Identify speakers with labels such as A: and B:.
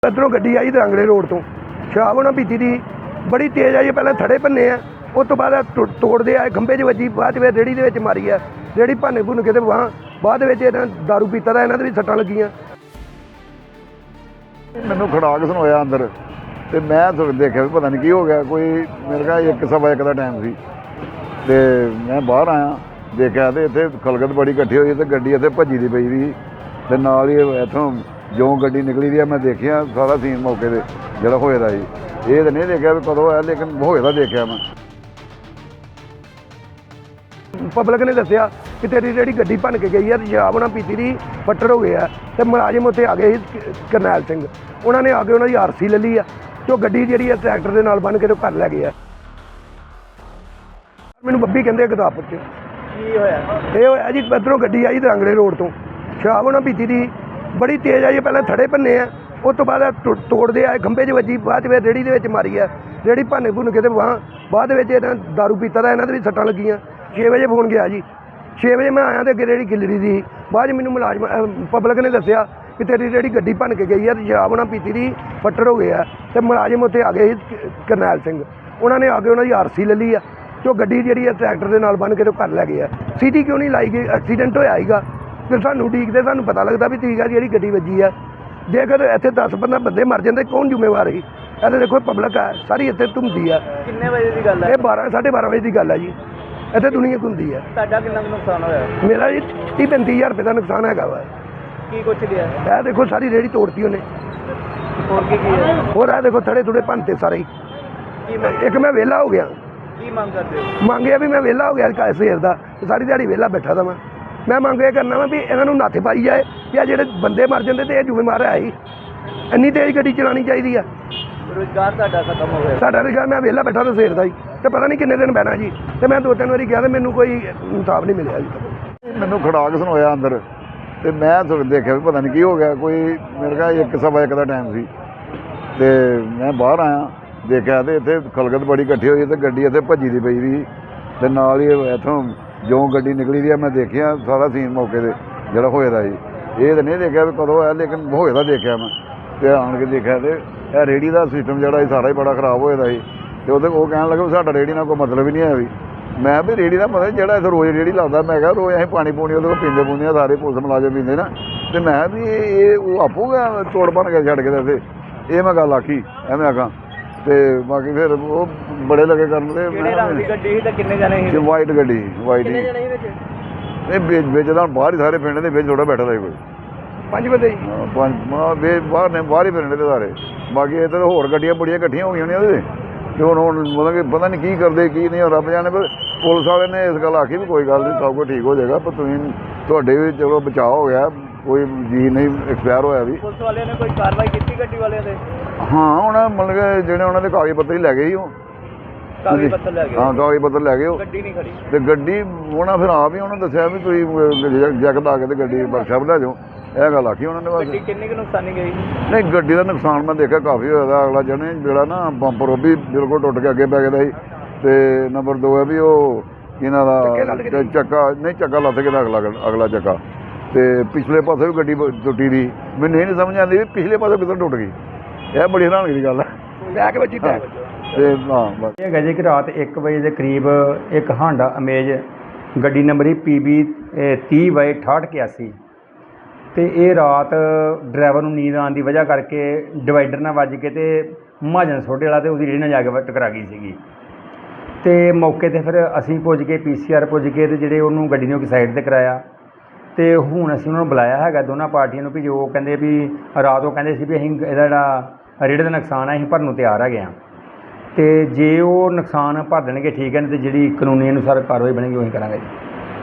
A: ਇੱਧਰੋਂ ਗੱਡੀ ਆਈ ਦਰਾਂਗਲੇ ਰੋਡ ਤੋਂ ਸ਼ਰਾਬ ਉਹਨਾਂ ਪੀਤੀ ਦੀ ਬੜੀ ਤੇਜ਼ ਆਈ। ਪਹਿਲਾਂ ਥੜੇ ਭੰਨੇ ਆ, ਉਸ ਤੋਂ ਬਾਅਦ ਤੋੜਦੇ ਆਏ, ਖੰਭੇ 'ਚ ਵੱਜੀ, ਬਾਅਦ ਵਿੱਚ ਰੇਹੜੀ ਦੇ ਵਿੱਚ ਮਾਰੀ ਆ। ਰੇਹੜੀ ਭੰਨ ਭੁੰਨ ਕੇ ਤੇ ਬਾਅਦ ਵਿੱਚ ਇਹਨਾਂ ਦਾਰੂ ਪੀਤਾ ਦਾ ਇਹਨਾਂ ਦੇ ਵੀ ਸੱਟਾਂ ਲੱਗੀਆਂ।
B: ਮੈਨੂੰ ਖੜਾਕ ਸੁਣਾਇਆ ਅੰਦਰ ਤੇ ਮੈਂ ਦੇਖਿਆ ਵੀ ਪਤਾ ਨਹੀਂ ਕੀ ਹੋ ਗਿਆ। ਕੋਈ ਮੇਰੇ ਕੋਲ 1:15 ਦਾ ਟਾਈਮ ਸੀ ਤੇ ਮੈਂ ਬਾਹਰ ਆਇਆ, ਦੇਖਿਆ ਤੇ ਇੱਥੇ ਖਲਗਤ ਬੜੀ ਇਕੱਠੀ ਹੋਈ ਤੇ ਗੱਡੀ ਇੱਥੇ ਭੱਜੀ ਦੀ ਪਈ ਸੀ ਤੇ ਨਾਲ ਹੀ ਇੱਥੋਂ ਜੋ ਗੱਡੀ ਨਿਕਲੀ ਦੀ ਆ ਮੈਂ ਦੇਖਿਆ ਸਾਰਾ ਸੀਨ ਮੌਕੇ 'ਤੇ ਜਿਹੜਾ ਹੋਏ ਦਾ ਸੀ। ਇਹ ਤਾਂ ਨਹੀਂ ਦੇਖਿਆ ਵੀ ਕਦੋਂ ਹੋਇਆ, ਲੇਕਿਨ ਹੋਏ ਦਾ ਦੇਖਿਆ ਮੈਂ।
A: ਪਬਲਿਕ ਨੇ ਦੱਸਿਆ ਕਿ ਤੇਰੀ ਜਿਹੜੀ ਗੱਡੀ ਭੰਨ ਕੇ ਗਈ ਹੈ ਤੇ ਸ਼ਰਾਬ ਨਾਲ ਪੀਤੀ ਦੀ ਫੱਟੜ ਹੋ ਗਿਆ ਤੇ ਮੁਲਾਜ਼ਮ ਉੱਥੇ ਆ ਗਏ ਸੀ ਕਰਨੈਲ ਸਿੰਘ, ਉਹਨਾਂ ਨੇ ਆ ਕੇ ਉਹਨਾਂ ਦੀ ਆਰਸੀ ਲੈ ਲਈ ਆ ਤੇ ਉਹ ਗੱਡੀ ਜਿਹੜੀ ਹੈ ਟਰੈਕਟਰ ਦੇ ਨਾਲ ਬੰਨ੍ਹ ਕੇ ਤੇ ਘਰ ਲੈ ਗਏ ਆ। ਮੈਨੂੰ ਬੱਬੀ ਕਹਿੰਦੇ ਗੁਰਦਾਸਪੁਰ 'ਚ
C: ਕੀ ਹੋਇਆ?
A: ਇਹ ਹੋਇਆ ਜੀ, ਇੱਧਰੋਂ ਗੱਡੀ ਆਈ ਦਰਾਂਗਲੇ ਰੋਡ ਤੋਂ ਸ਼ਰਾਬ ਉਹਨਾਂ ਪੀਤੀ ਦੀ ਬੜੀ ਤੇਜ਼ ਆਈ। ਪਹਿਲਾਂ ਥੜੇ ਭੰਨੇ ਆ, ਉਸ ਤੋਂ ਬਾਅਦ ਤੋੜਦੇ ਆਏ, ਖੰਭੇ 'ਚ ਵੱਜੀ, ਬਾਅਦ ਵਿੱਚ ਰੇਹੜੀ ਦੇ ਵਿੱਚ ਮਾਰੀ ਆ। ਰੇਹੜੀ ਭੰਨ ਭੁੰਨ ਕੇ ਤੇ ਬਾਅਦ ਵਿੱਚ ਇਹਨਾਂ ਦਾਰੂ ਪੀਤਾ ਦਾ ਇਹਨਾਂ ਦੇ ਵੀ ਸੱਟਾਂ ਲੱਗੀਆਂ। 6 ਵਜੇ ਫੋਨ ਗਿਆ ਜੀ, 6 ਵਜੇ ਮੈਂ ਆਇਆ ਤੇ ਅੱਗੇ ਰੇਹੜੀ ਗਿੱਲਰੀ ਦੀ। ਬਾਅਦ 'ਚ ਮੈਨੂੰ ਮੁਲਾਜ਼ਮ ਪਬਲਿਕ ਨੇ ਦੱਸਿਆ ਕਿ ਤੇਰੀ ਜਿਹੜੀ ਗੱਡੀ ਭੰਨ ਕੇ ਗਈ ਹੈ ਤੇ ਸ਼ਰਾਬ ਨਾਲ ਪੀਤੀ ਦੀ ਫੱਟੜ ਹੋ ਗਿਆ ਤੇ ਮੁਲਾਜ਼ਮ ਉੱਥੇ ਆ ਗਏ ਸੀ ਕਰਨੈਲ ਸਿੰਘ, ਉਹਨਾਂ ਨੇ ਆ ਕੇ ਉਹਨਾਂ ਦੀ ਆਰਸੀ ਲੈ ਲਈ ਆ ਤੇ ਉਹ ਗੱਡੀ ਜਿਹੜੀ ਹੈ ਟਰੈਕਟਰ ਦੇ ਨਾਲ ਬੰਨ੍ਹ ਕੇ ਤੇ ਘਰ ਲੈ ਗਏ ਆ। ਸੀਟੀ ਕਿਉਂ ਨਹੀਂ ਲਾਈ ਗਈ? ਐਕਸੀਡੈਂਟ ਹੋਇਆ ਸੀਗਾ ਤੇ ਸਾਨੂੰ ਉਡੀਕਦੇ ਸਾਨੂੰ ਪਤਾ ਲੱਗਦਾ ਵੀ ਠੀਕ ਆ ਜਿਹੜੀ ਗੱਡੀ ਵੱਜੀ ਆ। ਜੇਕਰ ਇੱਥੇ 10-15 ਬੰਦੇ ਮਰ ਜਾਂਦੇ ਕੌਣ ਜ਼ਿੰਮੇਵਾਰ ਸੀ? ਇਹ ਤਾਂ ਦੇਖੋ ਪਬਲਿਕ ਆ ਸਾਰੀ ਇੱਥੇ ਘੁੰਮਦੀ ਆ।
C: ਕਿੰਨੇ ਵਜੇ ਦੀ ਗੱਲ ਹੈ?
A: ਇਹ 12-12:30 ਵਜੇ ਦੀ ਗੱਲ ਆ ਜੀ। ਇੱਥੇ ਦੁਨੀਆ ਘੁੰਮਦੀ ਆ।
C: ਤੁਹਾਡਾ ਕਿੰਨਾ ਨੁਕਸਾਨ ਹੋਇਆ?
A: ਮੇਰਾ ਜੀ 30-35 ਹਜ਼ਾਰ ਰੁਪਏ ਦਾ ਨੁਕਸਾਨ ਹੈਗਾ ਵਾ।
C: ਕੀ ਕੁਛ ਲਿਆ?
A: ਇਹ ਦੇਖੋ ਸਾਰੀ ਰੇਹੜੀ ਤੋੜਤੀ ਉਹਨੇ।
C: ਹੋਰ ਕੀ ਹੈ?
A: ਹੋਰ ਇਹ ਦੇਖੋ ਥੜੇ ਥੁੜੇ ਭੰਨਤੇ ਸਾਰੇ ਹੀ।
C: ਕੀ ਮੰਗ
A: ਇੱਕ ਮੈਂ ਵਿਹਲਾ ਹੋ ਗਿਆ,
C: ਕੀ ਮੰਗ ਕਰਦੇ ਹੋ?
A: ਮੰਗਿਆ ਵੀ ਮੈਂ ਵਿਹਲਾ ਹੋ ਗਿਆ ਸਵੇਰ ਦਾ ਤੇ ਸਾਰੀ ਦਿਹਾੜੀ ਵਿਹਲਾ ਬੈਠਾ ਦਾ ਮੈਂ ਮੰਗ ਇਹ ਕਰਨਾ ਵਾ ਵੀ ਇਹਨਾਂ ਨੂੰ ਨੱਥ ਪਾਈ ਜਾਏ ਕਿ ਆ ਜਿਹੜੇ ਬੰਦੇ ਮਰ ਜਾਂਦੇ ਤੇ ਇਹ ਜ਼ਿੰਮੇਵਾਰ ਹੈ ਹੀ। ਇੰਨੀ ਤੇਜ਼ ਗੱਡੀ ਚਲਾਉਣੀ ਚਾਹੀਦੀ ਆ।
C: ਰੁਜ਼ਗਾਰ ਤੁਹਾਡਾ ਖਤਮ ਹੋ ਗਿਆ?
A: ਸਾਡਾ ਰੁਜ਼ਗਾਰ ਮੈਂ ਵਿਹਲਾ ਬੈਠਾ ਤਾਂ ਸਵੇਰ ਦਾ ਹੀ ਤੇ ਪਤਾ ਨਹੀਂ ਕਿੰਨੇ ਦਿਨ ਬਹਿਣਾ ਜੀ। ਤੇ ਮੈਂ 2-3 ਵਾਰੀ ਗਿਆ ਤੇ ਮੈਨੂੰ ਕੋਈ ਇਨਸਾਫ ਨਹੀਂ ਮਿਲਿਆ ਜੀ।
B: ਮੈਨੂੰ ਖੜਾਕ ਸੁਣਾਇਆ ਅੰਦਰ ਤੇ ਮੈਂ ਦੇਖਿਆ ਵੀ ਪਤਾ ਨਹੀਂ ਕੀ ਹੋ ਗਿਆ। ਕੋਈ ਮੇਰੇ ਕੋਲ 1:15 ਦਾ ਟਾਈਮ ਸੀ ਤੇ ਮੈਂ ਬਾਹਰ ਆਇਆ, ਦੇਖਿਆ ਤੇ ਇੱਥੇ ਖਲਗਤ ਬੜੀ ਇਕੱਠੀ ਹੋਈ ਤੇ ਗੱਡੀ ਇੱਥੇ ਭੱਜੀ ਦੀ ਪਈ ਸੀ ਤੇ ਨਾਲ ਹੀ ਇੱਥੋਂ ਜੋ ਗੱਡੀ ਨਿਕਲੀ ਦੀ ਆ ਮੈਂ ਦੇਖਿਆ ਸਾਰਾ ਸੀਨ ਮੌਕੇ 'ਤੇ ਜਿਹੜਾ ਹੋਏ ਦਾ ਸੀ। ਇਹ ਤਾਂ ਨਹੀਂ ਦੇਖਿਆ ਵੀ ਕਦੋਂ ਹੋਇਆ, ਲੇਕਿਨ ਹੋਏ ਦਾ ਦੇਖਿਆ ਮੈਂ ਤੇ ਆਣ ਕੇ ਦੇਖਿਆ ਤੇ ਇਹ ਰੇਹੜੀ ਦਾ ਸਿਸਟਮ ਜਿਹੜਾ ਸੀ ਸਾਰਾ ਹੀ ਬੜਾ ਖਰਾਬ ਹੋਇਆ ਦਾ ਸੀ ਤੇ ਉਹ ਕਹਿਣ ਲੱਗੇ ਵੀ ਸਾਡਾ ਰੇਹੜੀ ਨਾਲ ਕੋਈ ਮਤਲਬ ਹੀ ਨਹੀਂ ਹੈ ਵੀ। ਮੈਂ ਵੀ ਰੇਹੜੀ ਦਾ ਮਤਲਬ ਜਿਹੜਾ ਇੱਥੇ ਰੋਜ਼ ਰੇਹੜੀ ਲਾਉਂਦਾ, ਮੈਂ ਕਿਹਾ ਰੋਜ਼ ਅਸੀਂ ਪਾਣੀ ਪੂਣੀ ਉਹਦੇ ਕੋਲ ਪੀਂਦੇ ਪੂੰਦੇ ਆ, ਸਾਰੇ ਪੁਲਿਸ ਮੁਲਾਜ਼ਮ ਪੀਂਦੇ ਨਾ ਤੇ ਮੈਂ ਵੀ ਇਹ ਉਹ ਆਪੂਗਾ ਤੋੜ ਬਣ ਕੇ ਛੱਡ ਕੇ ਤੇ ਇਹ ਮੈਂ ਗੱਲ ਆਖੀ ਐਵੇਂ ਆਖਾਂ ਤੇ ਬਾਕੀ ਫਿਰ ਉਹ ਬੜੇ ਲੱਗੇ ਕਰਨ ਤੇ
C: ਕਿਹੜੇ ਰੰਗ ਦੀ ਗੱਡੀ ਸੀ ਤੇ ਕਿੰਨੇ ਜਣੇ ਸੀ?
B: ਵਾਈਟ ਗੱਡੀ ਵਾਈਟ
C: ਕਿੰਨੇ ਜਣੇ ਸੀ ਵਿੱਚ?
B: ਇਹ ਵੇਚਦਾ ਬਾਹਰ ਹੀ ਸਾਰੇ ਪਿੰਡ ਦੇ ਵਿੱਚ ਥੋੜਾ ਬੈਠਾ ਦਾ ਕੋਈ
A: 5 ਬੰਦੇ ਜੀ।
B: ਬਾਹਰ ਨੇ ਬਾਹਰ ਹੀ ਪਿੰਡ ਦੇ ਸਾਰੇ। ਬਾਕੀ ਇੱਥੇ ਤਾਂ ਹੋਰ ਗੱਡੀਆਂ ਬੜੀਆਂ ਇਕੱਠੀਆਂ ਹੋਈਆਂ ਨੇ ਉਹਦੇ ਤੇ ਹੁਣ ਮਤਲਬ ਕਿ ਪਤਾ ਨਹੀਂ ਕੀ ਕਰਦੇ ਕੀ ਨਹੀਂ, ਰੱਬ ਜਾਣੇ। ਪਰ ਪੁਲਿਸ ਵਾਲੇ ਨੇ ਇਸ ਗੱਲ ਆਖੀ ਵੀ ਕੋਈ ਗੱਲ ਨਹੀਂ, ਸਭ ਕੁਝ ਠੀਕ ਹੋ ਜਾਏਗਾ, ਪਰ ਤੁਸੀਂ ਤੁਹਾਡੇ ਵੀ ਚਲੋ ਬਚਾਅ ਹੋ ਗਿਆ, ਕੋਈ ਜੀ ਨਹੀਂ ਐਕਸਪਾਇਰ ਹੋਇਆ ਵੀ।
C: ਪੁਲਿਸ ਵਾਲਿਆਂ ਨੇ ਕੋਈ ਕਾਰਵਾਈ ਕੀਤੀ ਗੱਡੀ ਵਾਲਿਆਂ ਤੇ?
B: ਹਾਂ ਉਹਨਾਂ ਮਤਲਬ ਕਿ ਜਿਹੜੇ ਉਹਨਾਂ ਦੇ ਕਾਗਜ਼ ਪੱਤਰ ਹੀ ਲੈ ਗਏ ਸੀ ਉਹ।
C: ਕਾਗਜ਼ ਪੱਤਰ ਲੈ ਗਏ?
B: ਹਾਂ ਕਾਗਜ਼ ਪੱਤਰ ਲੈ ਗਏ ਉਹ।
C: ਗੱਡੀ ਨਹੀਂ ਖੜੀ
B: ਤੇ ਗੱਡੀ ਉਹਨਾਂ ਫਿਰ ਆਪ ਹੀ ਉਹਨਾਂ ਦੱਸਿਆ ਵੀ ਤੁਸੀਂ ਜੈਕਟ ਲਾ ਕੇ ਤੇ ਗੱਡੀ ਵਰਕਸ਼ਾਪ ਲੈ ਜਾਓ, ਇਹ ਗੱਲ ਆਖੀ ਉਹਨਾਂ ਨੇ ਬਸ।
C: ਗੱਡੀ ਕਿੰਨੀ ਕੁ ਨੁਕਸਾਨੀ ਗਈ?
B: ਨਹੀਂ ਗੱਡੀ ਦਾ ਨੁਕਸਾਨ ਮੈਂ ਦੇਖਿਆ ਕਾਫੀ ਹੋਇਆ ਦਾ। ਅਗਲਾ ਜਣੇ ਜਿਹੜਾ ਨਾ ਬੰਪਰ ਉਹ ਵੀ ਬਿਲਕੁਲ ਟੁੱਟ ਕੇ ਅੱਗੇ ਪੈ ਗਿਆ ਸੀ ਤੇ ਨੰਬਰ 2 ਹੈ ਵੀ ਉਹ ਇਹਨਾਂ ਦਾ ਚੱਕਾ ਨਹੀਂ ਚੱਕਾ ਲੱਥ ਗਿਆ ਅਗਲਾ ਚੱਕਾ ਤੇ ਪਿਛਲੇ ਪਾਸੇ ਵੀ ਗੱਡੀ ਟੁੱਟੀ ਦੀ। ਮੈਨੂੰ ਇਹ ਨਹੀਂ ਸਮਝ ਆਉਂਦੀ ਵੀ ਪਿਛਲੇ ਪਾਸੇ ਕਿੱਧਰ ਟੁੱਟ ਗਈ। ਇਹ ਬੜੀ ਹੈਰਾਨਗੀ ਦੀ ਗੱਲ ਹੈ।
A: ਬੈਕ ਵੱਜੀ ਬੈਕ
B: ਤੇ ਹਾਂ ਬਸ
D: ਇਹ ਹੈਗਾ ਜੀ ਕਿ ਰਾਤ 1 ਵਜੇ ਦੇ ਕਰੀਬ ਇੱਕ ਹਾਂਡਾ ਅਮੇਜ ਗੱਡੀ ਨੰਬਰ PB 30/6881 ਤੇ ਇਹ ਰਾਤ ਡਰਾਈਵਰ ਨੂੰ ਨੀਂਦ ਆਉਣ ਦੀ ਵਜ੍ਹਾ ਕਰਕੇ ਡਿਵਾਈਡਰ ਨਾਲ ਵੱਜ ਕੇ ਤੇ ਮਹਾਜਨ ਸੋਢੇ ਵਾਲਾ ਤੇ ਉਹਦੀ ਰੇਹੜੀ ਨਾਲ ਜਾ ਕੇ ਟਕਰਾ ਗਈ ਸੀਗੀ। ਤੇ ਮੌਕੇ 'ਤੇ ਫਿਰ ਅਸੀਂ ਪੁੱਜ ਕੇ PCR ਪੁੱਜ ਕੇ ਤੇ ਜਿਹੜੇ ਉਹਨੂੰ ਗੱਡੀ ਨੂੰ ਇੱਕ ਸਾਈਡ 'ਤੇ ਕਰਾਇਆ ਤੇ ਹੁਣ ਅਸੀਂ ਉਹਨਾਂ ਨੂੰ ਬੁਲਾਇਆ ਹੈਗਾ ਦੋਨਾਂ ਪਾਰਟੀਆਂ ਨੂੰ ਵੀ ਜੋ ਕਹਿੰਦੇ ਵੀ ਰਾਤ ਉਹ ਕਹਿੰਦੇ ਸੀ ਵੀ ਅਸੀਂ ਇਹਦਾ ਜਿਹੜਾ ਰੇਹੜੀ ਦਾ ਨੁਕਸਾਨ ਹੈ ਅਸੀਂ ਭਰਨ ਨੂੰ ਤਿਆਰ ਹੈਗੇ ਹਾਂ ਤੇ ਜੇ ਉਹ ਨੁਕਸਾਨ ਭਰ ਦੇਣਗੇ ਠੀਕ ਹੈ, ਨਹੀਂ ਤੇ ਜਿਹੜੀ ਕਾਨੂੰਨੀ ਅਨੁਸਾਰ ਕਾਰਵਾਈ ਬਣੇਗੀ ਉਹੀ ਕਰਾਂਗੇ ਜੀ।